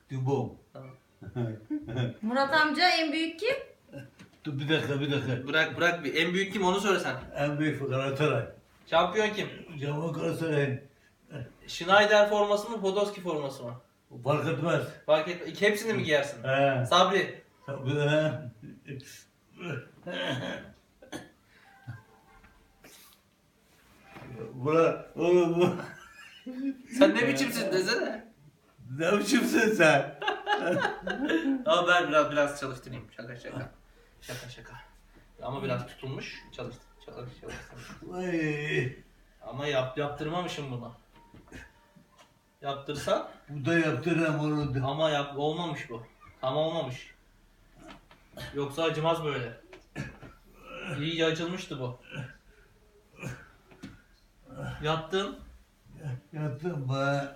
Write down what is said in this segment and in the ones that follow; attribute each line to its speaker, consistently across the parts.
Speaker 1: Cimbom.
Speaker 2: Tamam.
Speaker 3: Murat amca en büyük kim?
Speaker 1: Dur bir dakika.
Speaker 2: Bırak bir. En büyük kim onu söyle sen.
Speaker 1: En büyük Galatasaray.
Speaker 2: Şampiyon kim?
Speaker 1: Cama Galatasaray.
Speaker 2: Schneider forması mı, Podolski forması mı?
Speaker 1: Fark etmez.
Speaker 2: Fark et. Hepsini mi giyersin?
Speaker 1: He.
Speaker 2: Sabri.
Speaker 1: Tabii he. Oğlum bu.
Speaker 2: Sen ne biçimsin desene.
Speaker 1: Ne biçimsin sen?
Speaker 2: Ama ben biraz çalıştırayım. Şaka. Ama biraz tutulmuş. Çalıştır.
Speaker 1: Vay.
Speaker 2: Ama yaptırmamışım bunu. Yaptırsan
Speaker 1: Bu da yaptıram onu.
Speaker 2: ama olmamış bu. Tam olmamış. Yoksa acımaz böyle. İyice açılmıştı bu. Yattın.
Speaker 1: Yattım be.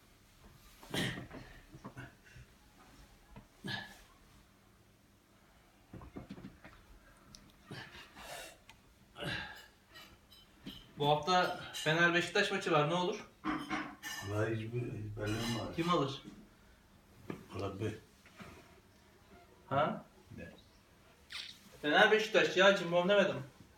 Speaker 2: Bu hafta Fener Beşiktaş maçı var. Ne olur?
Speaker 1: Valla hiçbir belirli var.
Speaker 2: Kim alır?
Speaker 1: Rabbi.
Speaker 2: Ha?
Speaker 1: Ne?
Speaker 2: Fener Beşiktaş ya, cimbom demedim.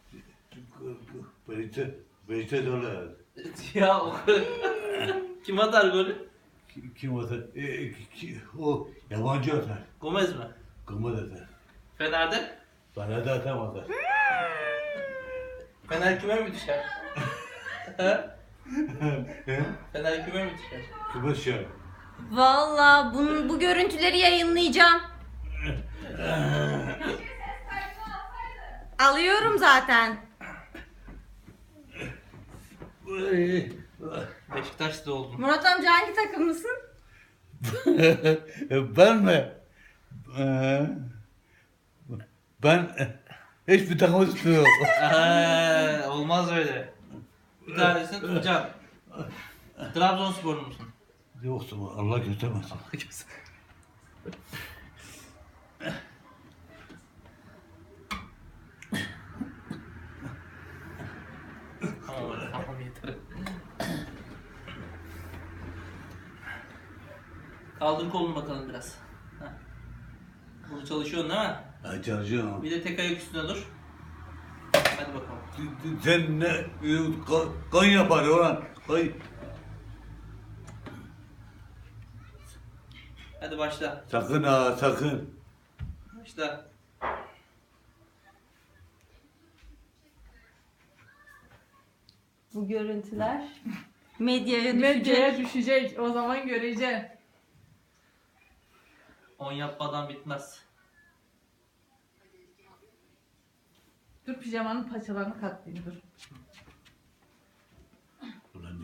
Speaker 1: Beşte dolar.
Speaker 2: Ya o kadar. Kim atar golü?
Speaker 1: Kim atar? O yabancı atar.
Speaker 2: Gomez mi?
Speaker 1: Gımır atar.
Speaker 2: Fener'de?
Speaker 1: Bana da atamazlar.
Speaker 2: Fener küme mi düşer? Ha? Fener küme mi düşer?
Speaker 1: Kıbrıs ya.
Speaker 3: Valla bu görüntüleri yayınlayacağım. Alıyorum zaten.
Speaker 2: Beşiktaş'ta oldum.
Speaker 3: Murat amca hangi takımlısın?
Speaker 1: Ben mi? Ben hiçbir takım tutmuyorum.
Speaker 2: Olmaz öyle. Bir tanesini tutacağım. Trabzonsporlu musun?
Speaker 1: Yoksa Allah göstermesin.
Speaker 2: Tamam yeter. Kaldır kolunu bakalım biraz. Heh. Bunu çalışıyorsun değil mi?
Speaker 1: Ben çalışıyorum.
Speaker 2: Bir de tek ayak üstüne dur. Hadi bakalım.
Speaker 1: Sen ne? Kan yapar ulan. Kan.
Speaker 2: Hadi başla.
Speaker 1: Sakın ha sakın.
Speaker 2: Başla.
Speaker 3: Bu görüntüler medyaya düşecek.
Speaker 4: Medyaya düşecek. O zaman göreceğim.
Speaker 2: 10 yapmadan bitmez.
Speaker 4: Dur pijamanın paçalarını katlayayım dur.
Speaker 1: Ulan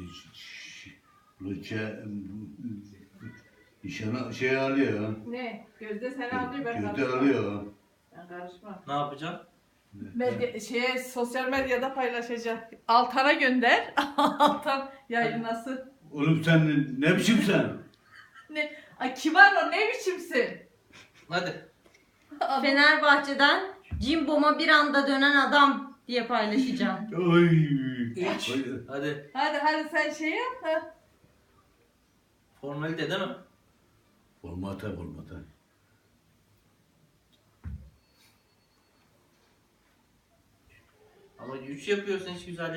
Speaker 1: nişana şey alıyor.
Speaker 4: Ne? Gözde seni alıyor ben
Speaker 1: Gözde
Speaker 4: karışmam.
Speaker 1: alıyor.
Speaker 4: Ben karışmam.
Speaker 2: Ne yapacaksın?
Speaker 4: Sosyal medyada paylaşacak. Altan'a gönder. Altan yayınlasın.
Speaker 1: Oğlum sen ne biçimsen?
Speaker 4: Ne? Ay kibar o ne biçimsin?
Speaker 2: Hadi.
Speaker 3: Fenerbahçe'den Cimbom'a bir anda dönen adam diye paylaşacağım.
Speaker 1: Oy.
Speaker 2: 3.
Speaker 1: Oy.
Speaker 2: Hadi.
Speaker 4: Hadi sen şey yap. Ha.
Speaker 2: Formalite değil mi?
Speaker 1: Formata.
Speaker 2: Ama 3 yapıyorsun hiç güzel